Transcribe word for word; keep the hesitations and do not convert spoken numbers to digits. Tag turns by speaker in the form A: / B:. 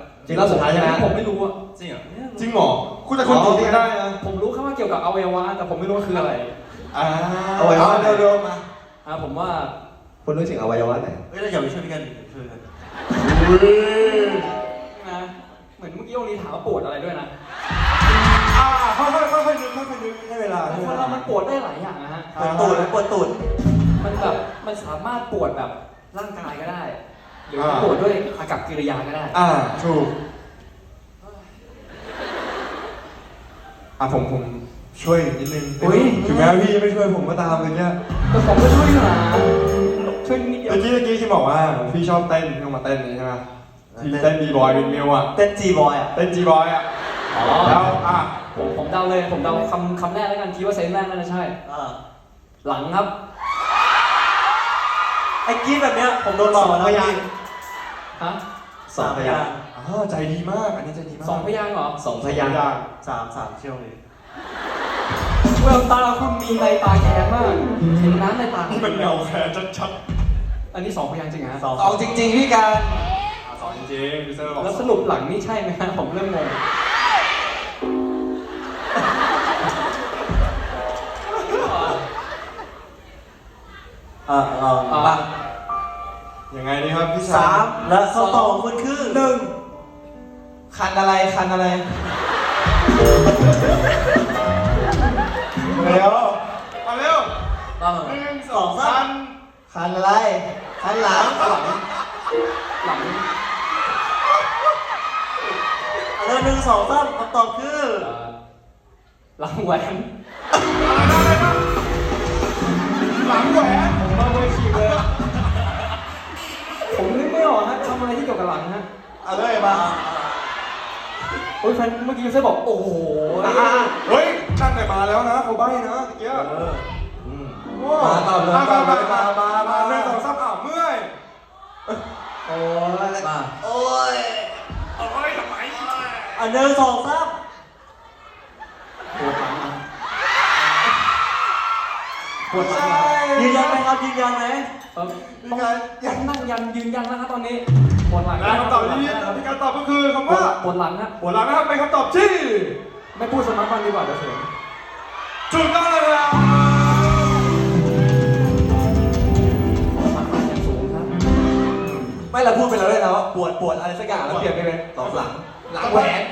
A: จริงรอบสุดท้ายใช่ไหม
B: ผมไม่รู้อะ
C: จริงเหรอ
D: จริงเหรอคุณแต่คุณจริงได้นะ
B: ผมรู้แค่ว่าเกี่ยวกับอวัยวะแต่ผมไม่รู้ว่าคืออะไร
D: อ่า
A: อวัยวะ
D: เร็วๆมา
B: อ่าผมว่า
A: คุณรู้ถึงอวัยวะไหน
C: เฮ้ยเราอย่าไปช่วยกันช่วยกัน
B: นะเหมือนเมื่อกี้องลีถามว่าปวดอะไรด้วยนะ
D: อ่าค่อยๆค่อยๆนึกค่อยๆนึกให้เวลาให้เว
B: คน
D: ลา
B: เรามันปวดได้หลายอย่างนะฮะ
C: ปวดตูดปวดตูด
B: มันแบบมันสามารถปวดแบบร่างกายก็ได้หรือปวดด้วยอากับกิริยาก็ได้
D: อ่าถูกอ่ะผมผมช่วยนิดนึงถึงแม้พี่ไม่ช่วยผมก็ตามเลยเนี่ย
B: แต่ผมก็ช่วยอยู่นะช่วยนิดเดียว
D: เมื่อกี้เมื่อกี้ที่บอกว่าพี่ชอบเต้นพี่มาเต้นนี้ใช่ไหมที่เต้นบีบอยวินมิวอ่ะ
C: เต้นจีบอยอ่ะ
D: เต้นจีบอยอ่ะแล้วอ่ะ
B: ผมผมเดาเลยผมเดาคำคำแรกแล้วกันคิดว่าเซนแรกน่าจะใช่หลังครับ
C: ไอ้กี้แบบเนี้ยผมโดนหลอกแล้วพี่
B: ฮะ
A: สองพยางค์
D: อ๋อใจดีมากอันนี้ใจดีมาก
B: สองพยางค์เหรอ
A: สองพยางค์
C: สามสามเชี่ยวเลย
B: แววตาคุณมีในตาแข็งมากเห็นน้ำในตาคุณ
D: มันเงาแค่ชัด
B: อันนี้สองพยางค์จริงฮะ
A: สองจริงๆพี่การ
D: สองจริงพี่เซอร์บอก
B: แล้วสรุปหลังนี่ใช่ไหมฮะผมเริ่มงง
C: เออเออมา
D: ยังไงดีครับพี่
C: สามและคำตอบของคุณคือหนึ่ง
A: คันอะไรคันอะไร
D: เร็วมาเร็ว
C: ห
D: นึ่งสองสาม
A: คันอะไรคันหลังหลัง
B: หลัง
C: เริ่มหนึ่งสองสามคำตอบคือ
B: หลังแหวน
D: หลังแหวน
B: ผมมาเวทีเลยผมนึกไม่ออกฮะทำอะไรที่เกี่ยวกับหลังฮะ
D: อะไรมา
B: โอ้ยแฟนเมื่อกี้ยูเซ่บอกโอ้โห
D: เฮ้ยนั่นไหนมาแล้วนะเขาใบ้นะตะเกียบ
A: มาต่อเลย
D: มา
A: ต่อเล
D: มาย มามามาหนึ่งสองสามอ้าวเมื่อย
A: โอ้ย
C: มา
A: โอ้ย
D: โอ้ยทำไม
C: อันหนึ่งสองสาม
B: ปวดหลังนะป
D: ป
B: ว
D: ว
B: ด
D: ด
B: หลั
D: ใช่
B: ง
C: ยืนยันไหมครับยืนยันไหม
B: ต้องยังนั่งยันยืนยันนะครับตอนนี้ปวดหลัง
D: และคำตอบที่ที่การตอบก็คือคำว่า
B: ปวดหลังฮะ
D: ปวดหลังนะครับเป็นคำตอบที่
B: ไม่พูดสมัครฟังดีกว่าเดี๋ยวเสียง
D: ถูกต้องเลยครับ
B: สมัครฟังอย่างสูงครับ
A: ไม่เราพูดไปแล้วด้วยนะว่าปวดปวดอะไรสักอย่างแล้วเปลี่ยนไปเป็นสองหลังหลังแหวน